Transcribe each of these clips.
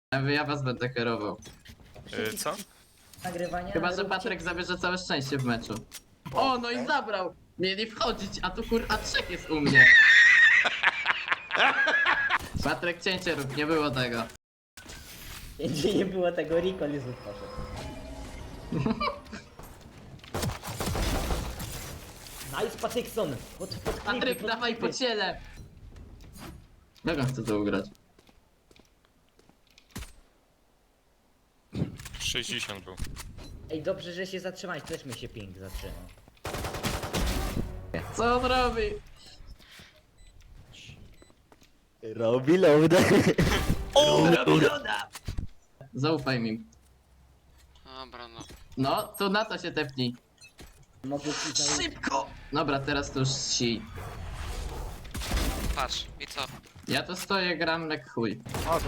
Ja was będę kierował. Co? Nagrywania. Chyba, że Patryk zabierze całe szczęście w meczu. O, no i zabrał! Mieli wchodzić, a tu kurwa trzech jest u mnie. Patryk, cięcie rób, nie było tego. Gdzie nie było tego, Rico nie poszedł. Nice Patykson! Pod klipy, Patryk, pod dawaj klipy. po ciele! Jak on chce to ugrać? 60 był. Ej, dobrze, że się zatrzymałeś, też mi się ping zatrzymał. Co on robi? Robi loadę. Zaufaj mi. Dobra, no. No, tu na to się tepnij. Mogę ci zaufać. Szybko! Dobra, teraz to już si. Patrz, i co? Ja to stoję, gram jak chuj.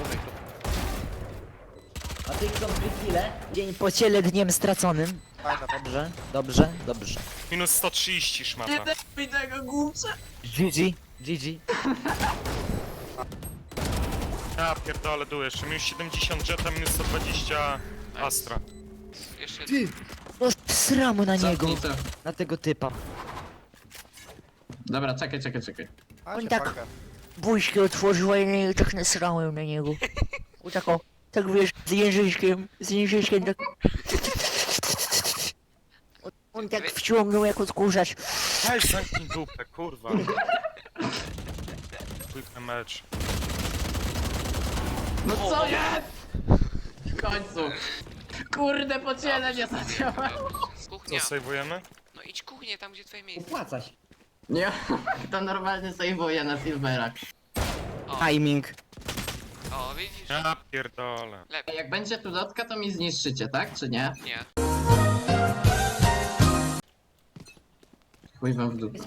Patykson, chwilę. Dzień po ciele dniem straconym. Dobrze, dobrze, dobrze. Minus 130 szmata. Nie tepuj tego głupca! GG, GG. Ja pierdolę dół jeszcze. Minus 70 Jetta, minus 120 Astra. Jeszcze No sramu na niego, Cofnij to. na tego typa. Dobra, czekaj. On tak buźkę otworzyła i ja tak nasrałem na niego. O tak o, tak wiesz, z języczkiem tak... On tak wciągnął jak odkurzacz. Weź zamknij dupę, kurwa. Quick mecz. No co jest? W końcu. Kurde, po ciele nie zadziała. Co, kuchnia. sejwujemy? No idź kuchnię, tam gdzie twoje miejsce. Opłaca się. Nie, to normalnie sejwuje na silverach. Timing. O, widzisz? Ja pierdolę. Lepiej. Jak będzie tu lotka, to mi zniszczycie, tak? Czy nie? Nie. Chuj wam w dupę.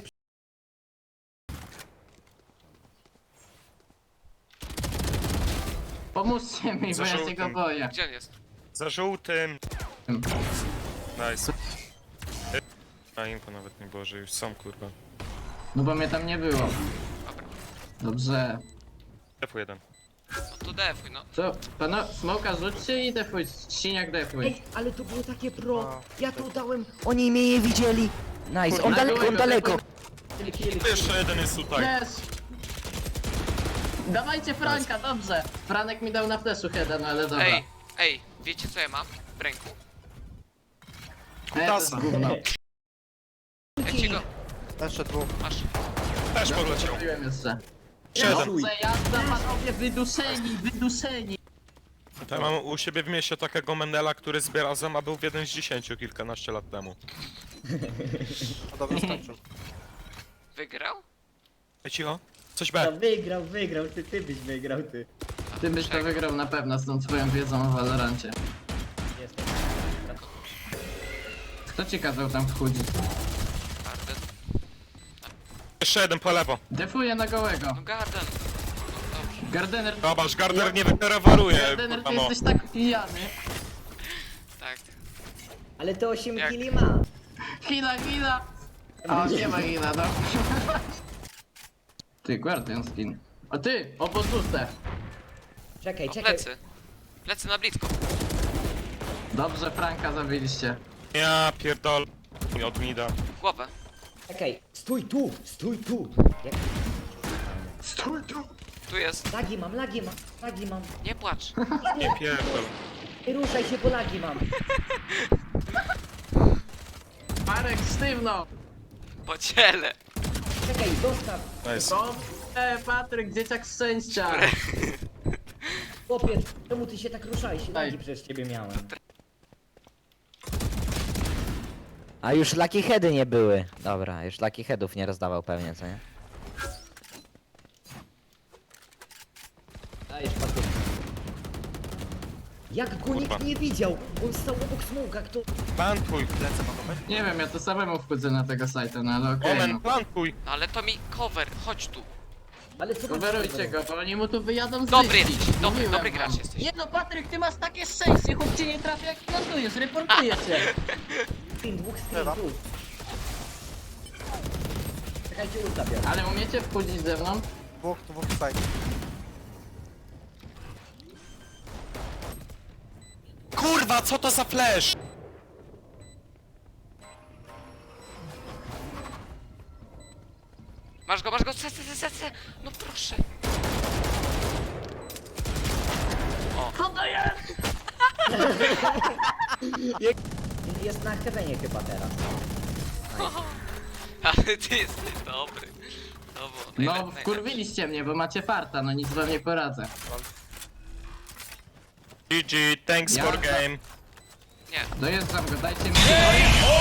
Pomóżcie mi, bo ja się go boję. Gdzie on jest? Za żółtym. Hmm. Nice. A info nawet nie było, że już są, kurwa. No bo mnie tam nie było. Dobra. Dobrze. F1. No to defuj, no. Co? Pano, smoka rzućcie i defuj. Siniak defuj. Ej, ale to było takie pro. Ja to dałem. Oni mnie nie widzieli. Nice, on daleko, on Defuj, daleko. Jeszcze jeden jest tutaj. Yes! Dawajcie Franka, dobrze. Franek mi dał na fleszu heada, no ale dobra. Ej, wiecie co ja mam w ręku? To jest gówno. Ja ci go... Jeszcze dwóch. Masz. Też poleciał. Zrobiłem jeszcze. Siedem. Dobrze, jazda panowie, wyduszeni. To ja mam u siebie w mieście takiego Mendela, który zbiera zem, a był w 1 z 10 kilkanaście lat temu. No dobra, skończył. Wygrał? Ej, cicho. Coś No, B. wygrał, ty byś wygrał, ty. Ty byś to wygrał na pewno z tą twoją wiedzą o Valorancie. Jestem. Kto ci kazał tam wchodzić? Garden. Jeszcze jeden po lewo. Defuję na gołego. No Garden. No dobrze. Gardener, Zobacz, Gardner nie wyrewaruje, Gardener, kurwa ty no. jesteś tak pijany. Tak. Ale to 8 Jak? killi ma. Hila. O, nie ma hila, no. Ty, Guardian skin. A ty, obodzuste. Czekaj, O, czekaj. plecy. Plecy na blisko. Dobrze, Franka zabiliście. Ja pierdol. Od Nida. Głowę. Czekaj, stój tu, stój tu. Jak... Tu jest. Lagi mam. Nie płacz. Nie pierdol. Nie ruszaj się, bo lagi mam. Marek, sztywno. Po ciele. Czekaj, dostaw. Nice. Dobrze, Patryk, dzieciak szczęścia. Chłopiec, czemu ty się tak ruszałeś? Lagi Ej. przez ciebie miałem. A już lucky heady nie były. Dobra, już lucky headów nie rozdawał pewnie, co nie? Dajesz patyk. Jak go nikt Kurwa. nie widział? On stał obok smoka, kto... Plantuj. Lecę mogą być? Nie wiem, ja to samemu wchodzę na tego sajta, no ale okej. Omen, no. plantuj. No ale to mi cover. Chodź tu. Ale co Coverujcie go, bo oni mu tu wyjadą z Dobry wyścig. jesteś. Mówiłem Dobry wam. gracz jesteś. Nie no, Patryk, ty masz takie szczęście, chłop cię nie trafia jak plantujesz, reportuję cię. Spin, dwóch Lewa. sprintów. Czekajcie, ulta biorę. Ale umiecie wchodzić ze mną? Dwóch side. kurwa, co to za flash? Masz go, C. No proszę. Co to jest? Jest na heavenie chyba teraz. Ale ty jesteś dobry. To było No, wkurwiliście mnie, bo macie farta, no nic wam nie poradzę. GG, thanks Ja- for game. Nie. Dojeżdżam go, dajcie mi...